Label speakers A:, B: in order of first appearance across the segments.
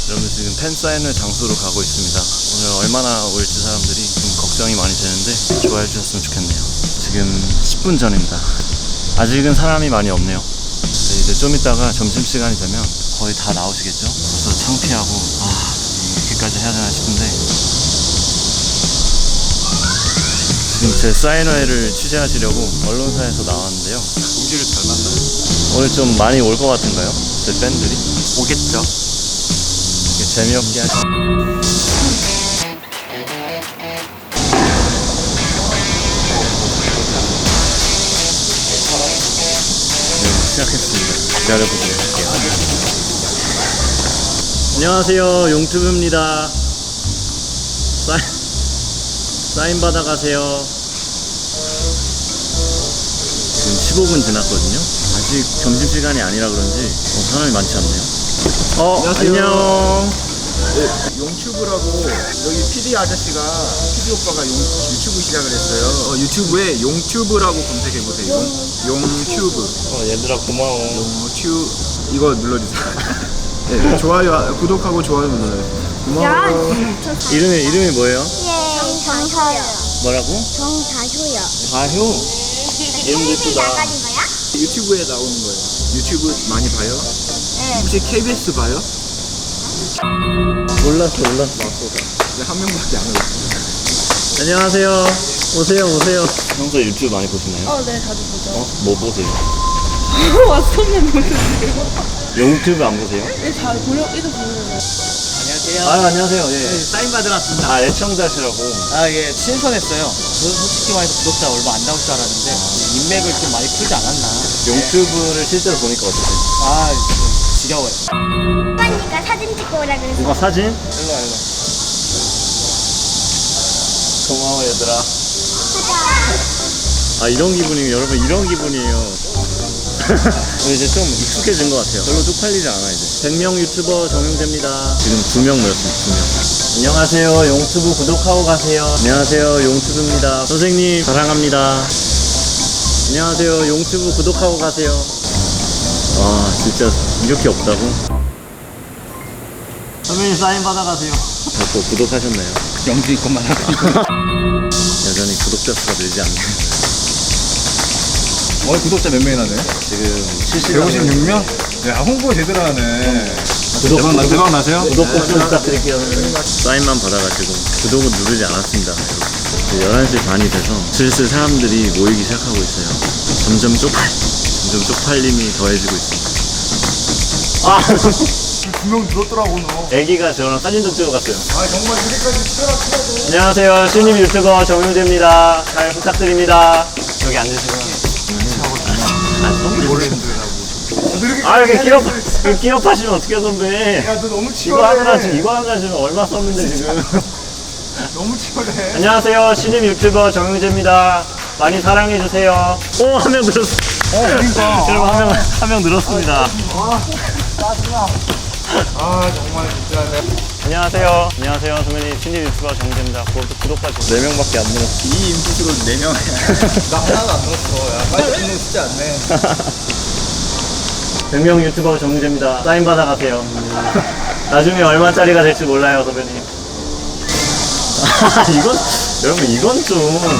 A: 여러분 지금 팬 사인회 장소로 가고 있습니다. 오늘 얼마나 올지 사람들이 좀 걱정이 많이 되는데 좋아해 주셨으면 좋겠네요. 지금 10분 전입니다. 아직은 사람이 많이 없네요. 이제 좀 이따가 점심시간이 되면 거의 다 나오시겠죠? 그래서 창피하고 이렇게까지 해야 되나 싶은데 지금 제 사인회를 취재하시려고 언론사에서 나왔는데요.
B: 우지를 잘 만나요.
A: 오늘 좀 많이 올 것 같은가요? 제 팬들이?
B: 오겠죠?
A: 재미없게 하시. 네, 시작했습니다. 기다려보도록 할게요. 안녕하세요, 용튜브입니다. 사인 받아가세요. 지금 15분 지났거든요. 아직 점심시간이 아니라 그런지 사람이 많지 않네요.
B: 안녕하세요.
A: 안녕.
B: 네, 용튜브라고 여기 PD 아저씨가 PD 오빠가 유튜브 시작을 했어요. 유튜브에 용튜브라고 검색해 보세요. 용튜브.
A: 얘들아 고마워.
B: 용튜브 이거 눌러주세요. 네, 좋아요, 구독하고 좋아요 눌러요. 고마워.
A: 이름이 뭐예요?
C: 정서요.
A: 뭐라고?
C: 정다효요.
A: 다효. 이름도 이쁘다.
C: 나가는 거야?
B: 유튜브에 나오는 거예요. 유튜브 많이 봐요?
C: 네.
B: 혹시 KBS 봐요?
A: 몰랐어.
B: 네, 한 명밖에 안 올랐어요.
A: 안녕하세요. 오세요. 평소에 유튜브 많이 보시나요?
C: 네, 자주 보죠.
A: 뭐 보세요?
C: 왔었네, 모르겠어요.
A: 유튜브 안 보세요?
C: 네, 잘 보려, 이거 보려고.
B: 안녕하세요.
A: 안녕하세요. 예.
B: 사인 받으러 왔습니다.
A: 애청자시라고.
B: 예, 신선했어요. 저는 솔직히 말해서 구독자 얼마 안 나올 줄 알았는데 인맥을 좀 많이 풀지 않았나.
A: 유튜브를 실제로 보니까 어떠세요?
B: 지겨워요.
C: 오빠니까 사진 찍고 오라 그랬어.
A: 이거 사진?
B: 일로 와.
A: 고마워 얘들아. 이런 기분이에요. 여러분 이런 기분이에요. 이제 좀 익숙해진 것 같아요. 별로 쪽팔리지 않아 이제. 100명 유튜버 정용재입니다. 지금 2명 모였습니다. 2명. 안녕하세요. 용튜브 구독하고 가세요. 안녕하세요. 용튜브입니다. 선생님 사랑합니다. 안녕하세요. 용튜브 구독하고 가세요. 와 진짜 이렇게 없다고? 선배님 사인 받아가세요. 또 구독하셨나요?
B: 영주 이것만 하고.
A: 여전히 구독자 수가 늘지 않네요.
B: 구독자 몇 명이나 돼?
A: 지금 70명.
B: 156명? 야, 홍보 제대로 하네.
A: 대박
B: 나세요?
A: 구독 꼭 좀 부탁드릴게요. 사인만 받아가지고 구독은 누르지 않았습니다. 이제 11시 반이 돼서 슬슬 사람들이 모이기 시작하고 있어요. 점점 쪽팔림이 더해지고 있습니다.
B: 2명 늘었더라고, 너.
A: 애기가 저랑 사진 좀 찍어갔어요.
B: 정말 이렇게까지 치열하게.
A: 안녕하세요. 신입 유튜버 정용재입니다. 잘 부탁드립니다. 여기 앉으시고요.
B: 원래 힘들다고.
A: 이렇게 기업하시면 어떡해 선배.
B: 야, 너 너무
A: 이거
B: 치열해.
A: 하느라 지금 얼마 썼는데 지금.
B: 너무 치열해.
A: 안녕하세요. 신입 유튜버 정용재입니다. 많이 사랑해주세요. 한 명 늘었어.
B: 그러니까.
A: 여러분 한 명 늘었습니다.
B: 정말 진짜.
A: 안녕하세요. 선배님. 신입 유튜버 정재입니다. 구독과 좋아요 4명밖에 안 늘었어.
B: 이 인풋으로 4명. 나 하나도 안 늘었어. 야, 빨리 듣는 거 쉽지 않네.
A: 100명 유튜버 정재입니다. 사인 받아가세요. 나중에 얼마짜리가 될지 몰라요, 선배님. 여러분 이건 좀.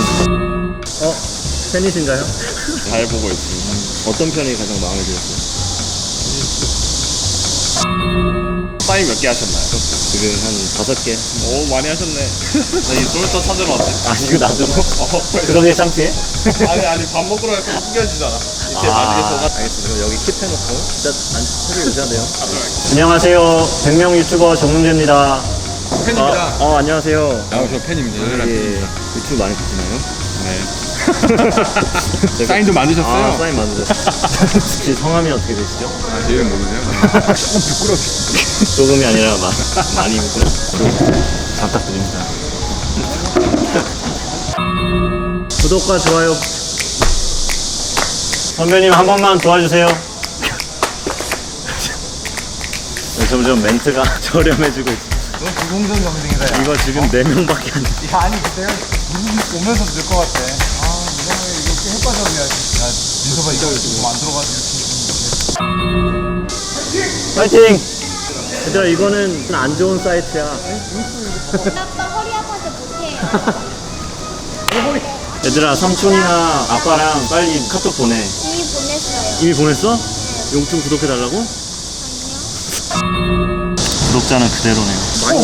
A: 팬이신가요? 잘 보고 있습니다. 어떤 편이 가장 마음에 들었어요?
D: 사인 몇 개 하셨나요?
A: 지금 한 5개.
D: 오 많이 하셨네. 나이 솔터 찾으러 왔네.
A: 이거 놔두고? 그러게 창피해?
D: 아니 밥 먹으러 가서 구겨지잖아. 이렇게 나중에 저가
A: 알겠습니다. 그럼 여기 킵해놓고 일단 앉으셔도 오셔야 돼요. 안녕하세요. 100명 유튜버 정문재입니다.
B: 팬입니다.
A: 안녕하세요.
D: 저 팬입니다.
A: 유튜브 많이 보시나요?
D: 네. 사인 좀 만드셨어요?
A: 사인 만드셨어요. 혹시 성함이 어떻게 되시죠?
D: 제 이름 모르세요? 조금 부끄럽게.
A: 조금이 아니라 많이 잘 부탁드립니다. 구독과 좋아요. 선배님 한 번만 도와주세요. 점점 멘트가 저렴해지고 있어.
B: 너 불공정 경쟁이다, 야.
A: 이거 지금 4명밖에 안 돼.
B: 야, 아니, 내가 오면서 늘 것 같아. 이번에 이렇게 햇빠져야지. 야, 민서봐, 이거 안 들어가지고.
A: 파이팅! 얘들아 이거는 안 좋은 사이트야.
C: 아빠 허리 아파서 못해.
A: 얘들아 삼촌이나 아빠랑 빨리 카톡 보내.
C: 이미 보냈어요.
A: 이미 보냈어? 용튜브 구독해달라고? 구독자는 그대로네요.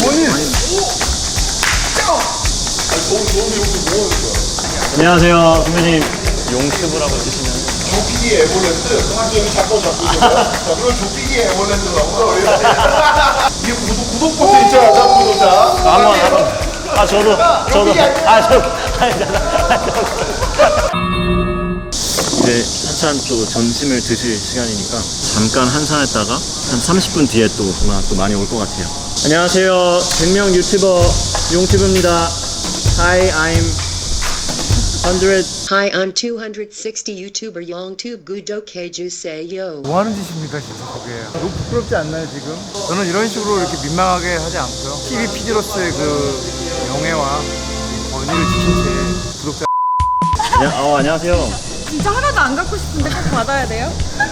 A: 안녕하세요 선배님. 용튜브라고 해주시면
D: 조피디 에버랜드 여기 잡고 있어요. 자, 그럼 조피디 에버랜드라고 이게 구독 버튼 있잖아, 구독자.
A: 아 저도 이제 한참 또 점심을 드실 시간이니까 잠깐 한산했다가 한 30분 뒤에 또 아마 또 많이 올 것 같아요. 안녕하세요 100명 유튜버 용튜브입니다. Hi, I'm 100.
E: Hi, I'm 260 YouTuber YongTube 구독해주세요.
F: 뭐 하는 짓입니까 진짜 그게. 너무 부끄럽지 않나요 지금? 저는 이런 식으로 이렇게 민망하게 하지 않고요. TV PD로서의 그 명예와 이 권위를 지킨 채 구독자
A: 안녕하세요.
C: 진짜 하나도 안 갖고 싶은데 꼭 받아야 돼요?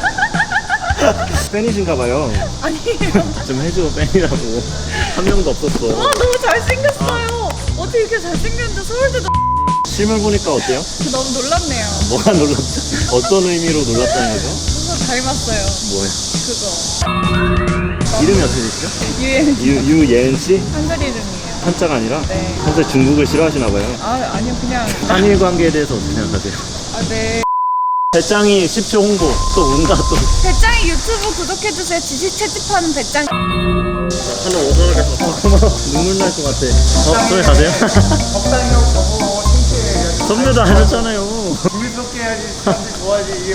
A: 팬이신가 봐요.
C: 아니에요.
A: 좀 해줘 팬이라고. 한 명도 없었어.
C: 와 너무 잘생겼어요. 어떻게 이렇게 잘생겼는데 서울대도
A: 실물 보니까 어때요?
C: 너무 놀랍네요.
A: 뭐가 놀랍죠? 어떤 의미로 놀랍다는 거죠?
C: 뭔가 닮았어요.
A: 뭐예요?
C: 그거.
A: 이름이 어떻게 되시죠?
C: 유엔
A: 유예은 씨?
C: 한글 이름이에요.
A: 한자가 아니라?
C: 네.
A: 평소에 중국을 싫어하시나 봐요.
C: 아니요 그냥
A: 한일 관계에 대해서 어떻게 생각하세요?
C: 네.
A: 배짱이 10초 홍보 또 온다 또.
C: 배짱이 유튜브 구독해주세요. 지식 채집하는 배짱.
A: 하나 오셔야겠어. 눈물 날 것 같아. 소리 가세요?
F: 적당히하고 저거 창피해.
A: 선배도 하셨잖아요.
F: 재밌었게 해야지 사람들이 좋아하지 이게.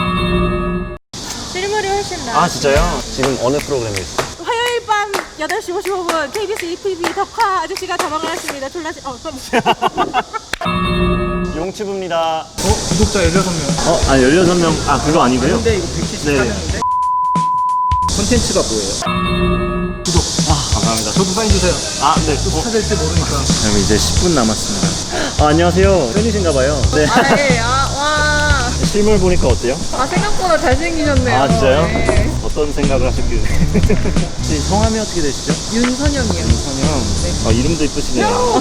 C: 실물이 훨씬 나.
A: 아 진짜요? 지금 어느 프로그램에 있어요?
G: 화요일 밤 8시 55분 KBS ETV 덕화 아저씨가 자막을 하십니다. 졸라
A: 용튜브입니다.
F: 구독자 16명.
A: 16명. 아 그거 아니고요?
F: 근데 이거 174명인데?
B: 콘텐츠가 뭐예요?
A: 감사합니다.
F: 저도 사인 주세요.
A: 아 네.
F: 찾을지 모르니까.
A: 그럼 이제 10분 남았습니다. 안녕하세요. 팬이신가봐요. 네.
C: 네. 와.
A: 실물 보니까 어때요?
C: 생각보다 잘생기셨네요.
A: 아 진짜요?
C: 네.
A: 어떤 생각을 하셨길래? 혹시 성함이 어떻게 되시죠?
C: 윤선영이요.
A: 선영. 이름도 이쁘시네요.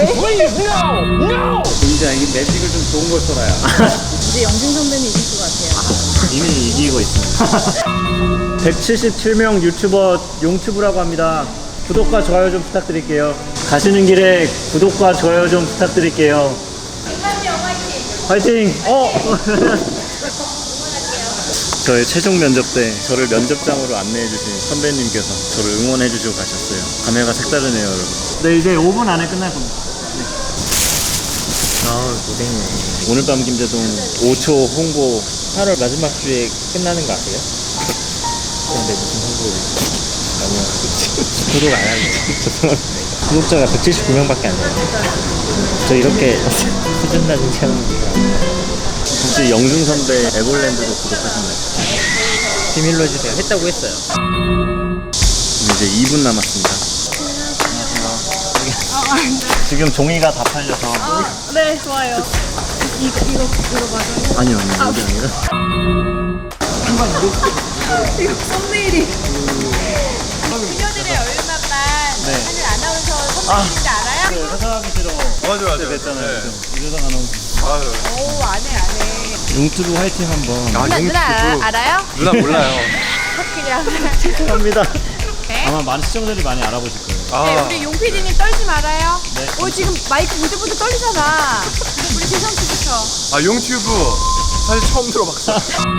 B: 진짜 이 매직을 좀 좋은 걸 써라야.
C: 이제 영진 선배님 이길 것 같아요.
A: 이미 이기고 있습니다. 177명 유튜버 용튜브라고 합니다. 구독과 좋아요 좀 부탁드릴게요. 가시는 길에 구독과 좋아요 좀 부탁드릴게요. 화이팅! 저의 최종 면접 때 저를 면접장으로 안내해주신 선배님께서 저를 응원해주시고 가셨어요. 감회가 색다르네요, 여러분. 네, 이제 5분 안에 끝날 겁니다. 고생이네. 오늘 밤 김대동 5초 홍보 8월 마지막 주에 끝나는 거 아세요? 근데 무슨 홍보를 너무 구독 안 하겠지. 죄송합니다. 구독자가 179명밖에 안 돼요. 저 이렇게 수준 낮은 채널입니다. 혹시 영준 선배 에볼랜드도 구독하셨나요? 비밀로 해주세요. 했다고 했어요. 이제 2분 남았습니다. 안녕하세요. 지금 종이가 다 팔려서.
G: 네, 좋아요. 이거 맞아요?
A: 아니요, 이게 아니라.
G: 이거 썸네일이. 그녀들의 얼마만
A: 네.
G: 하늘 아나운서 선배님인지 알아요?
A: 네, 회사하기 싫어.
D: 맞아.
A: 됐잖아요. 이러다가 너무.
G: 오, 안 해.
A: 용튜브 화이팅 한번.
G: 누나 알아요?
D: 누나 몰라요.
G: 그냥.
A: 감사합니다.
G: 네?
A: 아마 많은 시청자들이 많이 알아보실 거예요.
G: 네, 우리 용 PD님 떨지 말아요.
A: 네.
G: 지금 마이크 부들부들 떨리잖아. 우리 재성 씨부터.
D: 용튜브 사실 처음 들어봤어.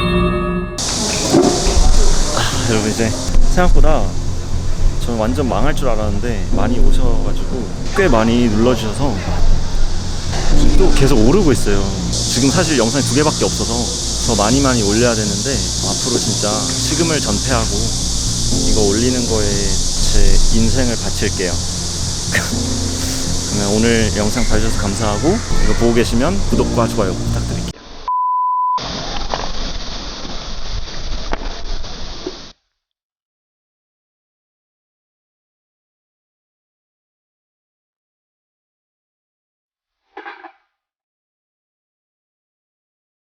A: 여러분 이제 생각보다 저는 완전 망할 줄 알았는데 많이 오셔가지고 꽤 많이 눌러주셔서 또 계속 오르고 있어요. 지금 사실 영상이 2개밖에 없어서 더 많이 올려야 되는데 앞으로 진짜 식음을 전폐하고 이거 올리는 거에 제 인생을 바칠게요. 그러면 오늘 영상 봐주셔서 감사하고 이거 보고 계시면 구독과 좋아요 부탁드릴게요.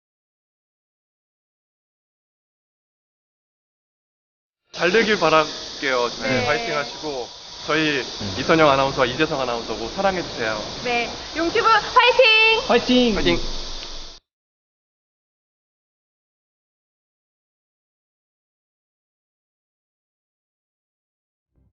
D: 잘 되길 바라.
H: 해줄게요.
C: 네.
H: 파이팅 하시고 저희 이선영 아나운서와 이재성 아나운서고 사랑해주세요.
C: 네. 용튜브 파이팅!
A: 화이팅!
H: 파이팅!